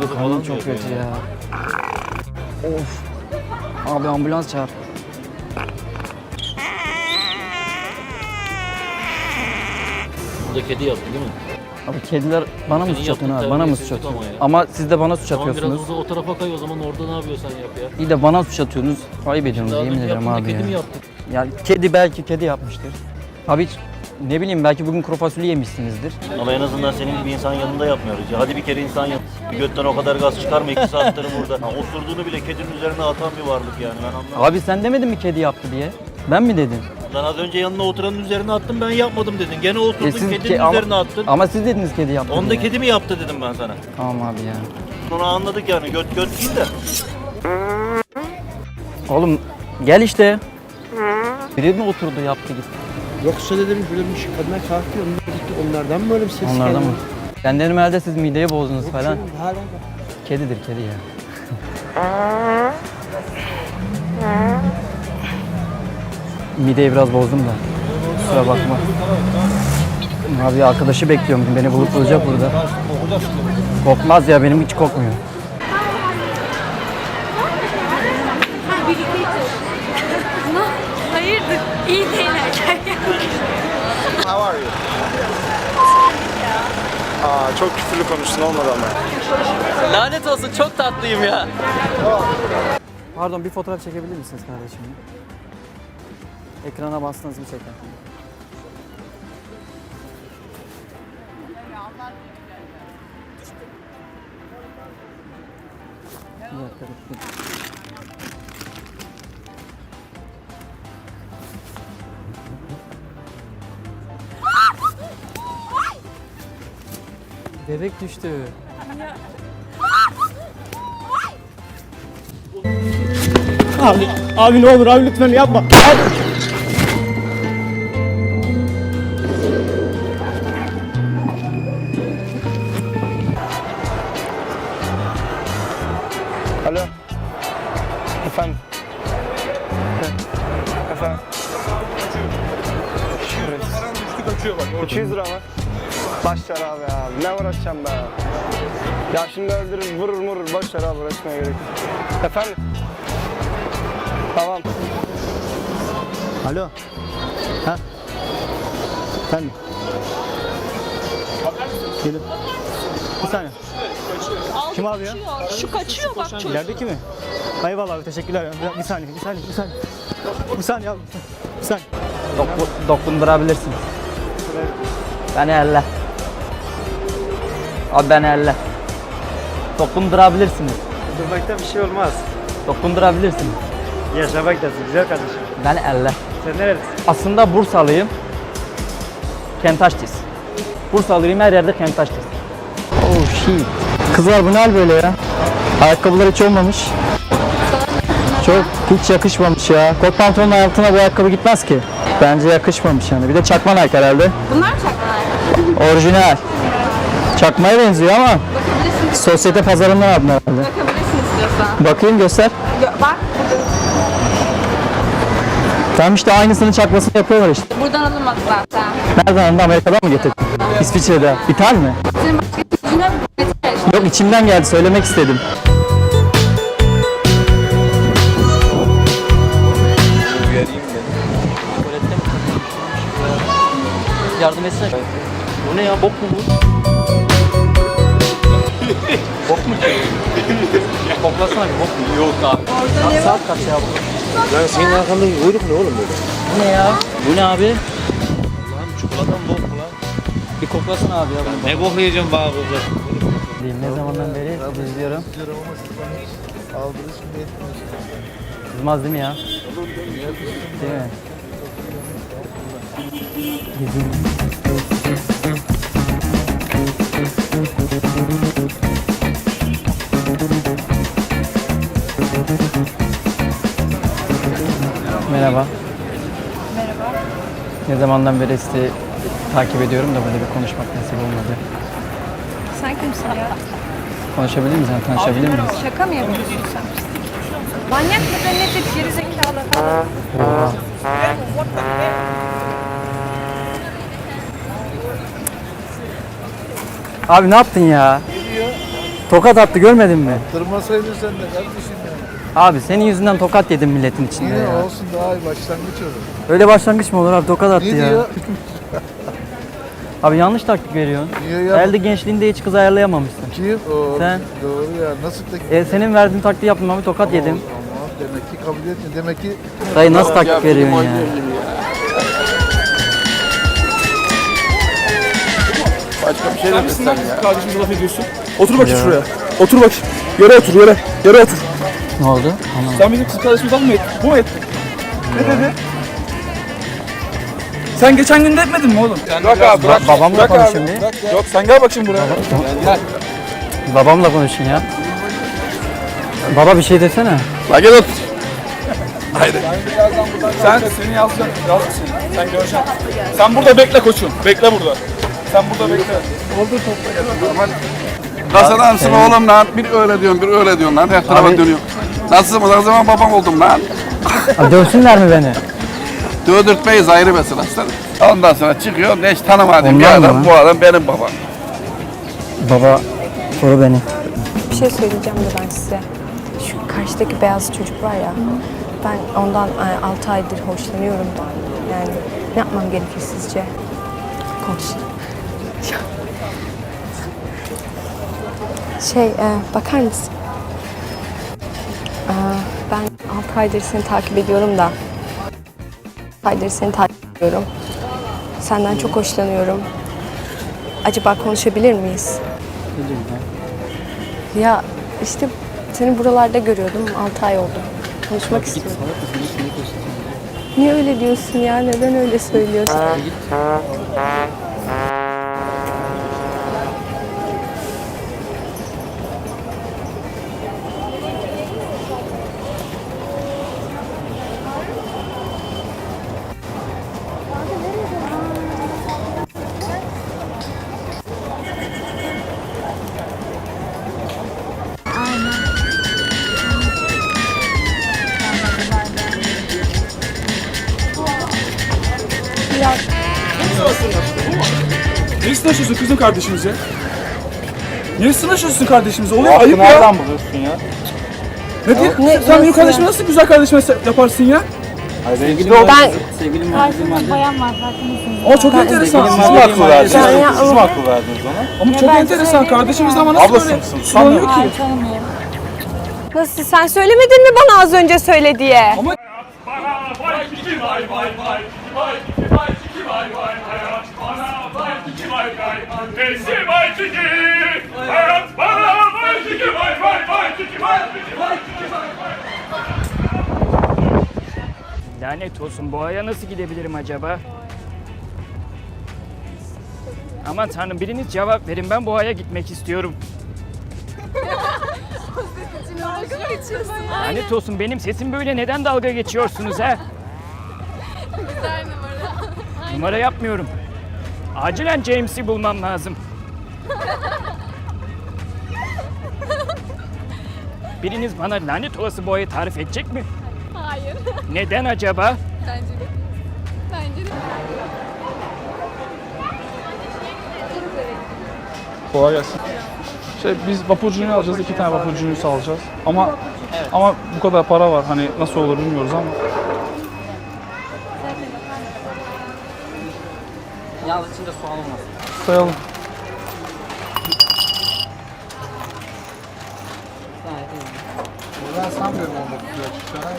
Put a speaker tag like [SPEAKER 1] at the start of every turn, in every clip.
[SPEAKER 1] kavgası
[SPEAKER 2] Karnım
[SPEAKER 1] falan
[SPEAKER 2] çok
[SPEAKER 1] yapıyor
[SPEAKER 2] kötü
[SPEAKER 1] yani.
[SPEAKER 2] ya. Of. Abi ambulans çağır.
[SPEAKER 1] Bu da kedi yaptı değil mi?
[SPEAKER 2] Abi kediler bana mı
[SPEAKER 1] Senin
[SPEAKER 2] suç atıyorsun
[SPEAKER 1] yaptığın
[SPEAKER 2] abi? Bana mı suç
[SPEAKER 1] terbiyesizlik
[SPEAKER 2] atıyorsunuz?
[SPEAKER 1] ama ya.
[SPEAKER 2] Ama siz de bana suç
[SPEAKER 1] Tamam
[SPEAKER 2] atıyorsunuz.
[SPEAKER 1] biraz o tarafa kay o zaman orada ne yapıyorsan yap ya.
[SPEAKER 2] İyi de bana suç atıyorsunuz. Ayıp ediyorsunuz
[SPEAKER 1] Daha
[SPEAKER 2] yemin
[SPEAKER 1] önce
[SPEAKER 2] ederim
[SPEAKER 1] yaptığında
[SPEAKER 2] abi
[SPEAKER 1] kedi mi
[SPEAKER 2] ya.
[SPEAKER 1] yaptık?
[SPEAKER 2] Yani kedi belki kedi yapmıştır. Abi hiç ne bileyim belki bugün kuru fasulye yemişsinizdir.
[SPEAKER 3] Ama en azından senin gibi insan yanında yapmıyoruz ya. Hadi bir kere insan yanında. Bir götten o kadar gaz çıkarma 2 saattir burada. Ha, osurduğunu bile kedinin üzerine atan bir varlık yani ben anlamadım.
[SPEAKER 2] Abi sen demedin mi kedi yaptı diye? Ben mi dedim?
[SPEAKER 3] Lan az önce yanına oturanın üzerine attım ben yapmadım dedin. Gene osurdun kedinin
[SPEAKER 2] ama,
[SPEAKER 3] üzerine attın.
[SPEAKER 2] ama siz dediniz kedi yaptı
[SPEAKER 3] Onu da
[SPEAKER 2] diye.
[SPEAKER 3] kedi mi yaptı dedim ben sana.
[SPEAKER 2] Tamam abi ya.
[SPEAKER 3] Onu anladık yani göt değil de.
[SPEAKER 2] Oğlum gel işte. Biri mi oturdu yaptı gitti.
[SPEAKER 4] Yoksa dedim böyle bir şey kadına kalkıyor, onlar gitti. Onlardan mı böyle bir ses geldi?
[SPEAKER 2] Onlardan mı? Ben dedim herhalde siz mideyi bozdunuz falan.
[SPEAKER 4] Canım, hala da.
[SPEAKER 2] Kedidir kedi ya. Mideyi biraz bozdum da. Kusura bakma. Abi arkadaşı bekliyorum. Beni bulup bulacak burada. Kokmaz ya benim hiç kokmuyor.
[SPEAKER 5] Hayırdır? İyi değil erken.
[SPEAKER 6] How are you? Aa, çok küfürlü konuştun olmadı ama.
[SPEAKER 2] Lanet olsun çok tatlıyım ya. Pardon bir fotoğraf çekebilir misiniz kardeşim? Ekrana bastınız mı çeker? Bir dakika, bir. Bebek düştü.
[SPEAKER 4] Abi ne olur abi lütfen yapma.
[SPEAKER 6] Alo. Efendim. Efendim. 200 lira mı? Başlar abi ya. Ne uğraşacağım be? Ya şimdi öldürür, vurur. Başlar abi uğraşmaya gerek yok. Efendim. Tamam.
[SPEAKER 4] Alo. Ha? Efendim. Gelin. Bir saniye. Kim abi ya?
[SPEAKER 5] Şu kaçıyor bak.
[SPEAKER 4] İlerideki mi? Eyvallah abi teşekkürler. Bir saniye. Bir saniye abi. Bir saniye.
[SPEAKER 2] Dokundurabilirsiniz. Beni elle. Abi beni elle. Dokundurabilirsiniz.
[SPEAKER 4] Durmakta bir şey olmaz.
[SPEAKER 2] Dokundurabilirsiniz.
[SPEAKER 4] Yaşamaktasın güzel kardeşim.
[SPEAKER 2] Beni elle.
[SPEAKER 4] Sen nerelisin?
[SPEAKER 2] Aslında Bursalıyım. Kentaş'tayız. Bursalıyım her yerde Kentaş'tayız. Oh shit. Kızlar bu ne hal böyle ya? Ayakkabılar hiç olmamış. Çok hiç yakışmamış ya. Kot pantolonun altına bu ayakkabı gitmez ki. Bence yakışmamış yani. Bir de çakma Nike herhalde.
[SPEAKER 5] Bunlar çakmalar.
[SPEAKER 2] Orijinal. Çakmaya benziyor ama
[SPEAKER 5] Bakabilirsin.
[SPEAKER 2] sosyete pazarından aldın herhalde.
[SPEAKER 5] Bakabilirsin istiyorsan.
[SPEAKER 2] Bakayım göster.
[SPEAKER 5] Bak
[SPEAKER 2] Tamam işte aynısını çakmasını yapıyorlar işte.
[SPEAKER 5] buradan alınmadı zaten.
[SPEAKER 2] Nereden aldın? Amerika'dan mı getirdin? İsviçre'de. İthal mi?
[SPEAKER 5] Senin başka bir yüzüne bir
[SPEAKER 2] Yok içimden geldi söylemek istedim. Yardım etsene.
[SPEAKER 1] Bu ne ya bok mu bu?
[SPEAKER 2] Bok mu ki? Koklasana bir bok mu?
[SPEAKER 1] Yok abi.
[SPEAKER 2] Saat kaç ya bu?
[SPEAKER 4] Lan senin arkandaki kuyruk ne oğlum böyle?
[SPEAKER 2] Bu ne ya? Bu ne abi?
[SPEAKER 3] Lan çikolatan bok mu lan?
[SPEAKER 2] Bir koklasana abi ya bunu.
[SPEAKER 3] Ne koklayacağım bana kokla?
[SPEAKER 2] Ne zamandan beri izliyorum. Kızmaz değil mi ya? Değil mi? Merhaba.
[SPEAKER 5] Merhaba.
[SPEAKER 2] Ne zamandan beri sizi takip ediyorum da böyle bir konuşmak nasip olmadı.
[SPEAKER 5] Sen kimsin ya?
[SPEAKER 2] Konuşabilir miyiz? Yani tanışabilir miyiz?
[SPEAKER 5] Şaka mı yapıyorsun sen? Manyak mıdır nedir? Gerizekalı falan.
[SPEAKER 2] Abi ne yaptın ya? Tokat attı görmedin mi?
[SPEAKER 7] Kırmasaydın sen de kardeşim ya.
[SPEAKER 2] Abi senin yüzünden tokat yedim milletin içinde
[SPEAKER 7] Yine
[SPEAKER 2] ya.
[SPEAKER 7] olsun daha iyi başlangıç olur.
[SPEAKER 2] Öyle başlangıç mı olur abi, tokat attı
[SPEAKER 7] Ne
[SPEAKER 2] ya.
[SPEAKER 7] diyor?
[SPEAKER 2] Abi yanlış taktik veriyorsun.
[SPEAKER 7] Niye ya?
[SPEAKER 2] Elde gençliğinde hiç kız ayarlayamamışsın.
[SPEAKER 7] Kim? O,
[SPEAKER 2] Sen.
[SPEAKER 7] Doğru ya. Nasıl tek...
[SPEAKER 2] Senin verdiğin taktiği yaptım abi, tokat yedim.
[SPEAKER 7] Tamam, demek ki kabul etmiyor. Demek ki...
[SPEAKER 2] Dayı nasıl taktik veriyorsun ya?
[SPEAKER 7] Başka bir şey demesin ya.
[SPEAKER 8] Kardeşim laf ediyorsun. Otur bakayım şuraya. Otur bakayım. Yere otur yere. Yere otur.
[SPEAKER 2] Ne oldu? Anlamadım.
[SPEAKER 8] Sen bizim kız kardeşimizden mı ettin? Bu mu ettin? Ne dedi? Sen geçen gün de etmedin mi oğlum? Bırak abi bırak.
[SPEAKER 2] Babamla
[SPEAKER 8] Bırak
[SPEAKER 2] konuşayım
[SPEAKER 8] abi.
[SPEAKER 2] bir.
[SPEAKER 8] Yok sen gel bak şimdi buraya. Gel.
[SPEAKER 2] Babamla konuşun ya. Baba bir şey desene.
[SPEAKER 8] La gel otur. Haydi. Sen seni yazacağım. Yazsın. Sen göreceksin. Sen burada bekle koçum. Bekle burada. Sen burada bekle.
[SPEAKER 9] Nasılsın oğlum lan? Bir öyle diyorsun, bir öyle diyorsun lan. Her tarafa
[SPEAKER 2] Abi-
[SPEAKER 9] dönüyorum. Nasılsın? O zaman babam oldum lan.
[SPEAKER 2] Abi dövsünler mi beni?
[SPEAKER 9] Dövdürtmeyiz ayrı mesele. Ondan sonra çıkıyor, ne hiç tanımadığım bir
[SPEAKER 2] Ondan
[SPEAKER 9] adam.
[SPEAKER 2] mı?
[SPEAKER 9] Bu adam benim babam.
[SPEAKER 2] Baba soru beni.
[SPEAKER 5] Bir şey söyleyeceğim de ben size. Şu karşıdaki beyaz çocuk var ya. Ben ondan 6 aydır hoşlanıyorum da. Yani ne yapmam gerekir sizce? Konuş. Bakar mısın? Ben 6 aydır seni takip ediyorum da. 6 aydır seni takip ediyorum. Senden çok hoşlanıyorum. Acaba konuşabilir miyiz? Ya işte seni buralarda görüyordum. 6 ay oldu. Konuşmak istiyorum. Niye öyle diyorsun ya? Neden öyle söylüyorsun?
[SPEAKER 8] Niye sınırlaşıyorsun kızım kardeşimize? Niye sınırlaşıyorsun kardeşimize? Oğlum ayıp ya.
[SPEAKER 9] Nereden buluyorsun ya?
[SPEAKER 8] Ne diye? Sen benim kardeşime nasıl güzel kardeşime yaparsın ya?
[SPEAKER 5] Ben
[SPEAKER 8] Ama çok enteresan.
[SPEAKER 9] Siz mi akıl verdiniz?
[SPEAKER 5] Ben-
[SPEAKER 9] Siz mi akıl verdiniz ona?
[SPEAKER 8] Ama çok enteresan. Kardeşimiz ama nasıl
[SPEAKER 9] Ablası
[SPEAKER 8] böyle
[SPEAKER 9] mısın?
[SPEAKER 8] sulanıyor ki?
[SPEAKER 5] nasıl sen söylemedin mi bana az önce söyle diye?
[SPEAKER 10] Lanet olsun, boğaya nasıl gidebilirim acaba? Aman tanrım, biriniz cevap verin, ben boğaya gitmek istiyorum. Lanet olsun, benim sesim böyle, neden dalga geçiyorsunuz ha?
[SPEAKER 11] Güzel numara.
[SPEAKER 10] Numara yapmıyorum. Acilen James'i bulmam lazım. Biriniz bana lanet olası boğayı tarif edecek mi?
[SPEAKER 11] Hayır.
[SPEAKER 10] Neden acaba?
[SPEAKER 11] Bence de. Bence de.
[SPEAKER 8] Kolay gelsin. Biz vapurcunu alacağız, 2 tane vapurcunu alacağız. Ama bu kadar para var. Hani nasıl olur bilmiyoruz ama.
[SPEAKER 2] Yalnız içinde soğan olmaz.
[SPEAKER 8] Sayalım.
[SPEAKER 7] Ben sanmıyorum onda güzel çıkacağını.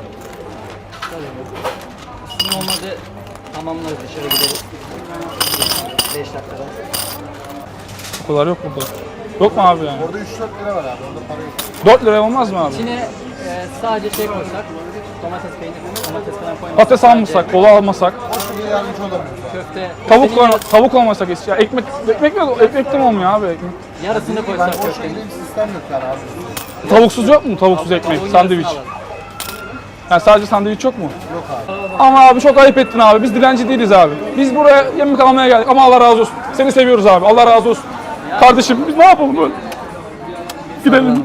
[SPEAKER 2] Sizin olmadı tamamlarız, dışarı gideriz. 5 dakikada.
[SPEAKER 8] O kadar yok burada. Yok mu abi yani?
[SPEAKER 7] Orada 3-4 lira var abi. Orada para yok.
[SPEAKER 8] 4 liraya olmaz mı abi?
[SPEAKER 2] İçine sadece şey koysak, domates peyniri, domates falan koymasak.
[SPEAKER 8] Patates almasak, kola almasak,
[SPEAKER 7] Şimdi yardımcı olamıyorum.
[SPEAKER 2] Köfte,
[SPEAKER 8] tavuk olmasak ya ekmek de mi olmuyor abi ekmek?
[SPEAKER 2] yarısını koysak
[SPEAKER 7] Boş
[SPEAKER 2] köftenin.
[SPEAKER 7] dediğim sistem yok yani abi.
[SPEAKER 8] Tavuksuz yok mu? Tavuksuz ekmek,
[SPEAKER 2] Tavuğun
[SPEAKER 8] sandviç.
[SPEAKER 2] yarısını alalım.
[SPEAKER 8] Yani sadece sandviç yok mu?
[SPEAKER 7] Yok abi.
[SPEAKER 8] Ama abi çok ayıp ettin abi. Biz dilenci değiliz abi. Biz buraya yemek almaya geldik ama Allah razı olsun. Seni seviyoruz abi. Allah razı olsun. Kardeşim biz ne yapalım böyle? Gidelim.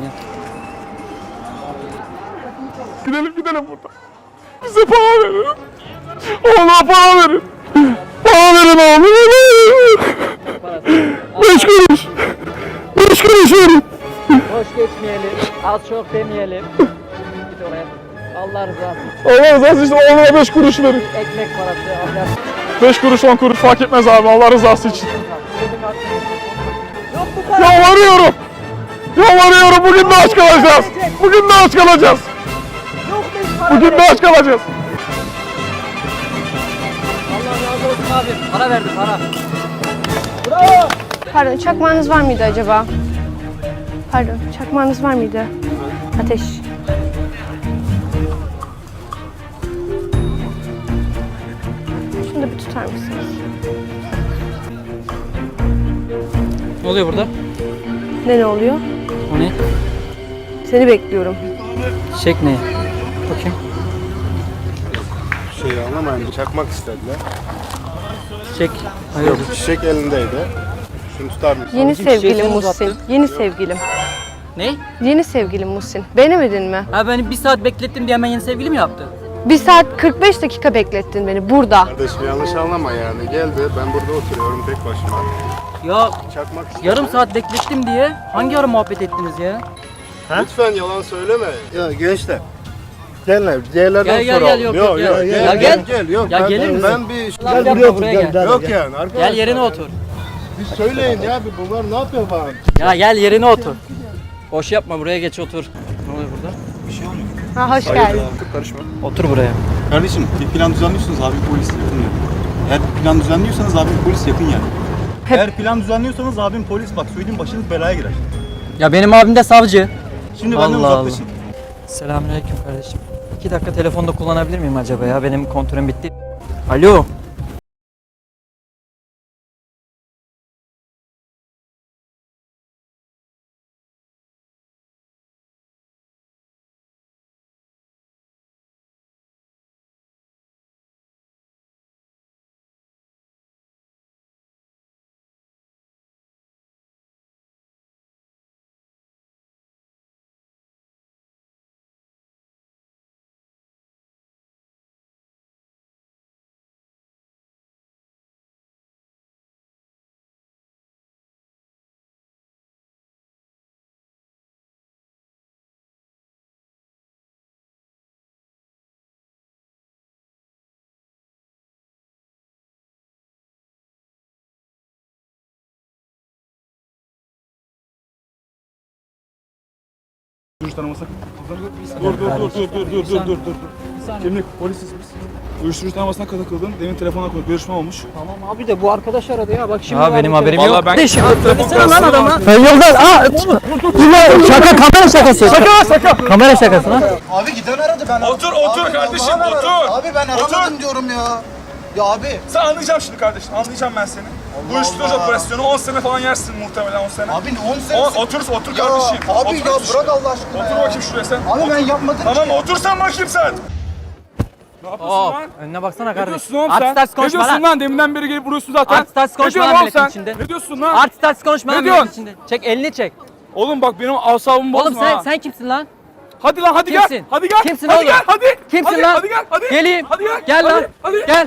[SPEAKER 8] Gidelim buradan. Bize para verin. Oğlum para verin. Para verin oğlum. 5 kuruş. 5 kuruş verin.
[SPEAKER 2] Boş geçmeyelim. Az çok demeyelim. Git oraya. Allah rızası için.
[SPEAKER 8] Allah rızası için oğluma 5 kuruş verin.
[SPEAKER 2] Ekmek parası. Allah.
[SPEAKER 8] 5 kuruş 10 kuruş fark etmez abi Allah rızası için. Yalvarıyorum. Yalvarıyorum bugün de aç kalacağız. Bugün de aç kalacağız. Bugün de aç kalacağız.
[SPEAKER 2] Allah razı olsun abi. Para verdi para.
[SPEAKER 5] Pardon, çakmağınız var mıydı acaba? Pardon, çakmağınız var mıydı? Ateş. Şunu da bir tutar mısınız?
[SPEAKER 2] Ne oluyor burada?
[SPEAKER 5] Ne oluyor?
[SPEAKER 2] O ne?
[SPEAKER 5] Seni bekliyorum.
[SPEAKER 2] Çiçek ne? Bakayım.
[SPEAKER 6] Şeyi anlamayın, çakmak istediler.
[SPEAKER 2] Çiçek.
[SPEAKER 6] Yok, çiçek elindeydi. Şunu tutar mısın?
[SPEAKER 5] Yeni
[SPEAKER 2] Çiçeği
[SPEAKER 5] sevgilim
[SPEAKER 2] sen
[SPEAKER 5] Muhsin.
[SPEAKER 2] uzattın.
[SPEAKER 5] Yeni sevgilim.
[SPEAKER 2] Ne?
[SPEAKER 5] Yeni sevgilim Muhsin. Beğenemedin mi?
[SPEAKER 2] Ha beni bir saat beklettim diye hemen yeni sevgili mi yaptı?
[SPEAKER 5] 1 saat 45 dakika beklettin beni burada.
[SPEAKER 6] Kardeşim yanlış anlama yani. Geldi, ben burada oturuyorum tek başıma.
[SPEAKER 2] Ya
[SPEAKER 6] Çakmak istedi.
[SPEAKER 2] yarım saat beklettim diye hangi ara muhabbet ettiniz ya?
[SPEAKER 6] Lütfen yalan söyleme. Ya gençler. Gel diğerlerden
[SPEAKER 2] Gel,
[SPEAKER 6] soralım.
[SPEAKER 2] yok,
[SPEAKER 6] Yok,
[SPEAKER 2] gel.
[SPEAKER 6] gel.
[SPEAKER 2] Ya gel.
[SPEAKER 6] Gel, yok.
[SPEAKER 2] Ya
[SPEAKER 6] ben,
[SPEAKER 2] gelir misin?
[SPEAKER 6] ben bir
[SPEAKER 2] Gel yapma buraya gel.
[SPEAKER 6] yok yani arkadaşlar.
[SPEAKER 2] Gel yerine otur.
[SPEAKER 6] Bir söyleyin ya bir bunlar ne yapıyor falan.
[SPEAKER 2] Ya gel yerine otur. Boş yapma buraya geç otur. Ne oluyor burada?
[SPEAKER 5] Ha, hoş geldin.
[SPEAKER 6] Karışma.
[SPEAKER 2] Otur buraya.
[SPEAKER 12] Kardeşim bir plan düzenliyorsunuz abi polis yakın yani. Eğer plan düzenliyorsanız abim polis yakın yani. Eğer plan düzenliyorsanız abim polis bak söyleyeyim başınız belaya girer.
[SPEAKER 2] Ya benim abim de savcı.
[SPEAKER 12] Şimdi benden
[SPEAKER 2] Allah
[SPEAKER 12] uzaklaşın.
[SPEAKER 2] Selamünaleyküm kardeşim. 2 dakika telefonda kullanabilir miyim acaba ya? Benim kontrolüm bitti. Alo.
[SPEAKER 8] Uyuşturucu tanımasına dur. Kimlik polisiz biz. Uyuşturucu tanımasına takıldın. Demin telefona koy. Görüşme olmuş.
[SPEAKER 2] Tamam abi de bu arkadaş aradı ya. Bak şimdi.
[SPEAKER 8] Ya benim haberim yok. Vallahi ben
[SPEAKER 2] Kardeşim,
[SPEAKER 8] söylesene
[SPEAKER 2] lan adama.
[SPEAKER 8] Ben
[SPEAKER 2] yoldan. Şaka kamera şakası. Şaka. Kamera şakası lan.
[SPEAKER 7] Abi giden aradı ben.
[SPEAKER 8] Otur kardeşim otur.
[SPEAKER 7] Abi ben aramadım diyorum ya. Ya abi.
[SPEAKER 8] Sen anlayacağım şimdi kardeşim. Anlayacağım ben seni. Uyuşturucu operasyonu 10 sene falan yersin muhtemelen 10 sene.
[SPEAKER 7] Abi 10 sene.
[SPEAKER 8] Otur
[SPEAKER 7] Ya,
[SPEAKER 8] kardeşim.
[SPEAKER 7] abi
[SPEAKER 8] Otur,
[SPEAKER 7] ya
[SPEAKER 8] otur.
[SPEAKER 7] bırak Allah aşkına
[SPEAKER 8] Otur
[SPEAKER 7] ya.
[SPEAKER 8] bakayım şuraya sen.
[SPEAKER 7] Abi ben yapmadım
[SPEAKER 8] Tamam
[SPEAKER 7] ki.
[SPEAKER 8] otursan bakayım sen. Ne yapıyorsun lan?
[SPEAKER 2] Önüne baksana
[SPEAKER 8] Ne
[SPEAKER 2] kardeşim.
[SPEAKER 8] diyorsun oğlum sen?
[SPEAKER 2] Artist
[SPEAKER 8] Ne
[SPEAKER 2] konuşma
[SPEAKER 8] diyorsun
[SPEAKER 2] lan.
[SPEAKER 8] lan? Deminden beri gelip vuruyorsun zaten.
[SPEAKER 2] Artist konuşma
[SPEAKER 8] Ne diyorsun
[SPEAKER 2] lan
[SPEAKER 8] oğlum
[SPEAKER 2] milletin
[SPEAKER 8] sen?
[SPEAKER 2] içinde.
[SPEAKER 8] Ne diyorsun lan?
[SPEAKER 2] Artist konuşma
[SPEAKER 8] Ne
[SPEAKER 2] lan
[SPEAKER 8] diyorsun?
[SPEAKER 2] milletin içinde. Çek elini çek.
[SPEAKER 8] Oğlum bak benim asabımı bozma
[SPEAKER 2] Oğlum sen
[SPEAKER 8] ha.
[SPEAKER 2] sen kimsin lan?
[SPEAKER 8] Hadi lan hadi
[SPEAKER 2] Kimsin?
[SPEAKER 8] gel. Hadi gel.
[SPEAKER 2] Kimsin
[SPEAKER 8] hadi
[SPEAKER 2] oğlum?
[SPEAKER 8] Gel, hadi.
[SPEAKER 2] Kimsin
[SPEAKER 8] hadi,
[SPEAKER 2] lan?
[SPEAKER 8] Hadi gel. Hadi.
[SPEAKER 2] Geleyim.
[SPEAKER 8] Hadi gel.
[SPEAKER 2] Gel
[SPEAKER 8] hadi,
[SPEAKER 2] lan.
[SPEAKER 8] Hadi.
[SPEAKER 2] Gel.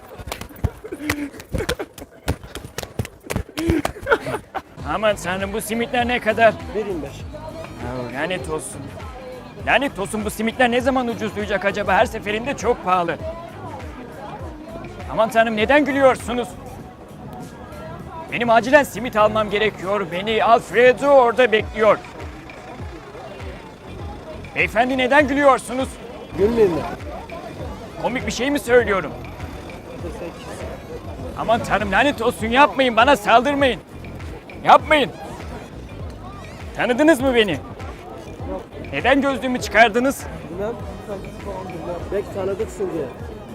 [SPEAKER 10] Aman tanrım bu simitler ne kadar? 1.25. Lanet olsun. Lanet olsun bu simitler ne zaman ucuzlayacak acaba? Her seferinde çok pahalı. Aman tanrım neden gülüyorsunuz? Benim acilen simit almam gerekiyor. Beni Alfredo orada bekliyor. Beyefendi neden gülüyorsunuz?
[SPEAKER 7] Gülmeyin mi?
[SPEAKER 10] Komik bir şey mi söylüyorum? Aman tanrım lanet olsun yapmayın bana saldırmayın. Yapmayın. Tanıdınız mı beni? Neden gözlüğümü çıkardınız?
[SPEAKER 7] Bilmem. Belki tanıdıksın diye.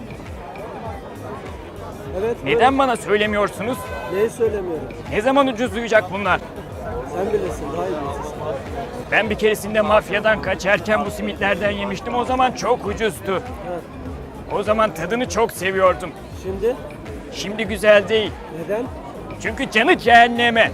[SPEAKER 7] Evet.
[SPEAKER 10] Neden bana söylemiyorsunuz?
[SPEAKER 7] Neyi söylemiyorum?
[SPEAKER 10] Ne zaman ucuzlayacak bunlar?
[SPEAKER 7] Sen bilirsin. Daha iyi bilirsin.
[SPEAKER 10] Ben bir keresinde mafyadan kaçarken bu simitlerden yemiştim. O zaman çok ucuzdu. O zaman tadını çok seviyordum.
[SPEAKER 7] Şimdi?
[SPEAKER 10] Şimdi güzel değil.
[SPEAKER 7] Neden?
[SPEAKER 10] Çünkü canı cehenneme.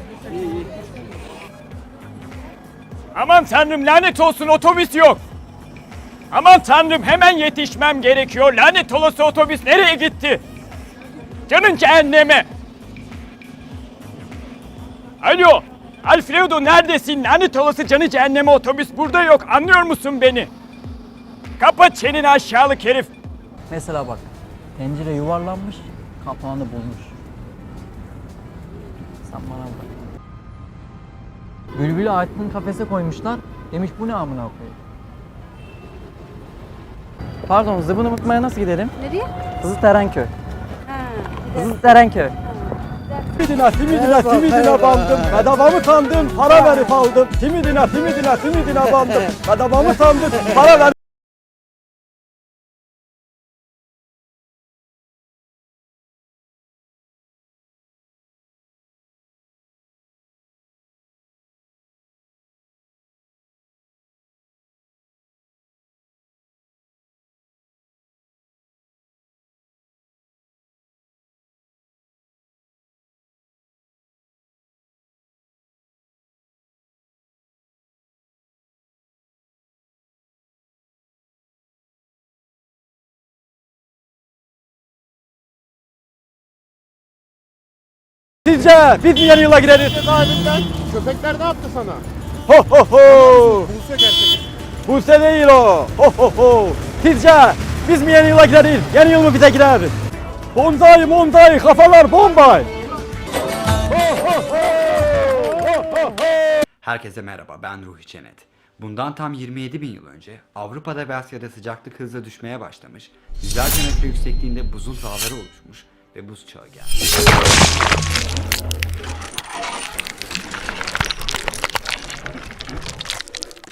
[SPEAKER 10] Aman tanrım lanet olsun otobüs yok. Aman tanrım hemen yetişmem gerekiyor. Lanet olası otobüs nereye gitti? Canın cehenneme. Alo. Alfredo neredesin? Lanet olası canı cehenneme otobüs burada yok. Anlıyor musun beni? Kapat çeneni aşağılık herif.
[SPEAKER 2] Mesela bak, tencere yuvarlanmış, kapağını bulmuş. Sen bana bak. Bülbül'ü Aytun kafese koymuşlar. Demiş bu ne amına koyayım. Pardon, Zıbını Mutma'ya nasıl gidelim?
[SPEAKER 11] Nereye?
[SPEAKER 2] Kızılterenköy. Kızılterenköy.
[SPEAKER 7] Timidine bandım. Bedavamı sandım, para verip aldım. Timidine bandım. Bedavamı sandım, para verip Sizce biz mi yeni yıla gireriz?
[SPEAKER 12] Köpekler ne yaptı sana?
[SPEAKER 7] Ho ho ho!
[SPEAKER 12] Buse gerçek.
[SPEAKER 7] Buse değil o. Ho ho ho! Sizce biz mi yeni yıla gireriz? Yeni yıl mı bize girer? Bonzai kafalar bombay.
[SPEAKER 13] Herkese merhaba, ben Ruhi Çenet. Bundan tam 27 bin yıl önce Avrupa'da ve Asya'da sıcaklık hızla düşmeye başlamış, yüzlerce metre yüksekliğinde buzul dağları oluşmuş ve buz çağı geldi.